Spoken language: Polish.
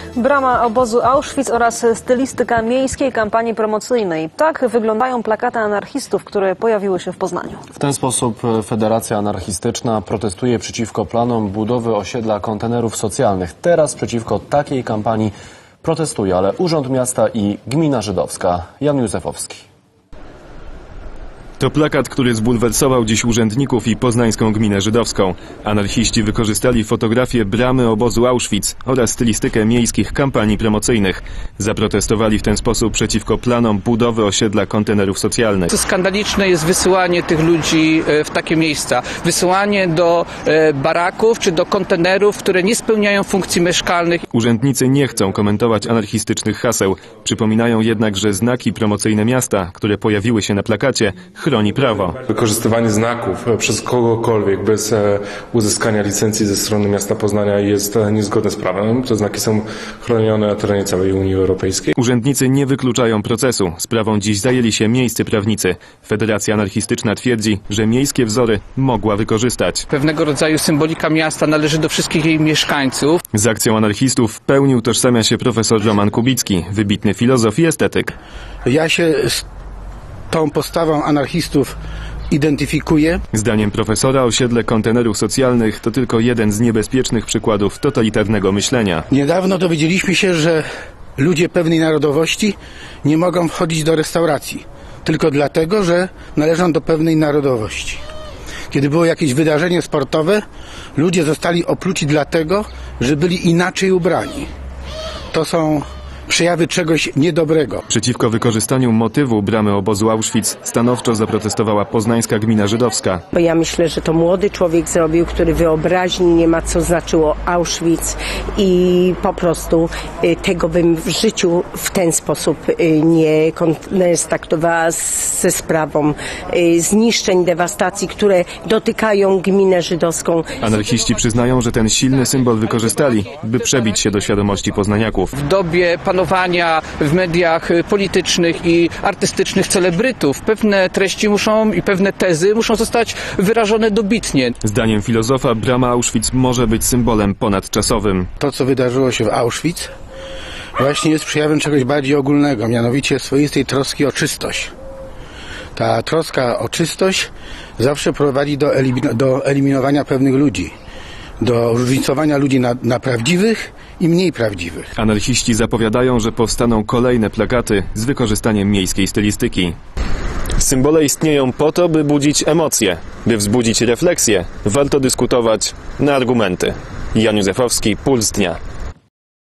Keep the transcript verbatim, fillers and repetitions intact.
Brama obozu Auschwitz oraz stylistyka miejskiej kampanii promocyjnej. Tak wyglądają plakaty anarchistów, które pojawiły się w Poznaniu. W ten sposób Federacja Anarchistyczna protestuje przeciwko planom budowy osiedla kontenerów socjalnych. Teraz przeciwko takiej kampanii protestuje, ale Urząd Miasta i Gmina Żydowska. Jan Józefowski. To plakat, który zbulwersował dziś urzędników i poznańską gminę żydowską. Anarchiści wykorzystali fotografię bramy obozu Auschwitz oraz stylistykę miejskich kampanii promocyjnych. Zaprotestowali w ten sposób przeciwko planom budowy osiedla kontenerów socjalnych. Skandaliczne jest wysyłanie tych ludzi w takie miejsca. Wysyłanie do baraków czy do kontenerów, które nie spełniają funkcji mieszkalnych. Urzędnicy nie chcą komentować anarchistycznych haseł. Przypominają jednak, że znaki promocyjne miasta, które pojawiły się na plakacie, chroni prawo. Wykorzystywanie znaków przez kogokolwiek bez uzyskania licencji ze strony miasta Poznania jest niezgodne z prawem. Te znaki są chronione na terenie całej Unii Europejskiej. Urzędnicy nie wykluczają procesu. Sprawą dziś zajęli się miejscy prawnicy. Federacja Anarchistyczna twierdzi, że miejskie wzory mogła wykorzystać. Pewnego rodzaju symbolika miasta należy do wszystkich jej mieszkańców. Z akcją anarchistów w pełni utożsamia się profesor Roman Kubicki, wybitny filozof i estetyk. Ja się z tą postawą anarchistów identyfikuje. Zdaniem profesora osiedle kontenerów socjalnych to tylko jeden z niebezpiecznych przykładów totalitarnego myślenia. Niedawno dowiedzieliśmy się, że ludzie pewnej narodowości nie mogą wchodzić do restauracji tylko dlatego, że należą do pewnej narodowości. Kiedy było jakieś wydarzenie sportowe, ludzie zostali opluci dlatego, że byli inaczej ubrani. To są przejawy czegoś niedobrego. Przeciwko wykorzystaniu motywu bramy obozu Auschwitz stanowczo zaprotestowała poznańska gmina żydowska. Bo ja myślę, że to młody człowiek zrobił, który wyobraźni nie ma, co znaczyło Auschwitz i po prostu y, tego bym w życiu w ten sposób y, nie kontaktowała ze sprawą y, zniszczeń, dewastacji, które dotykają gminę żydowską. Anarchiści przyznają, że ten silny symbol wykorzystali, by przebić się do świadomości poznaniaków. W dobie panowania w mediach politycznych i artystycznych celebrytów pewne treści muszą i pewne tezy muszą zostać wyrażone dobitnie. Zdaniem filozofa brama Auschwitz może być symbolem ponadczasowym. To, co wydarzyło się w Auschwitz, właśnie jest przejawem czegoś bardziej ogólnego, mianowicie swoistej troski o czystość. Ta troska o czystość zawsze prowadzi do, elimin- do eliminowania pewnych ludzi, do różnicowania ludzi na, na prawdziwych i mniej prawdziwych. Anarchiści zapowiadają, że powstaną kolejne plakaty z wykorzystaniem miejskiej stylistyki. Symbole istnieją po to, by budzić emocje, by wzbudzić refleksję. Warto dyskutować na argumenty. Jan Józefowski, Puls Dnia.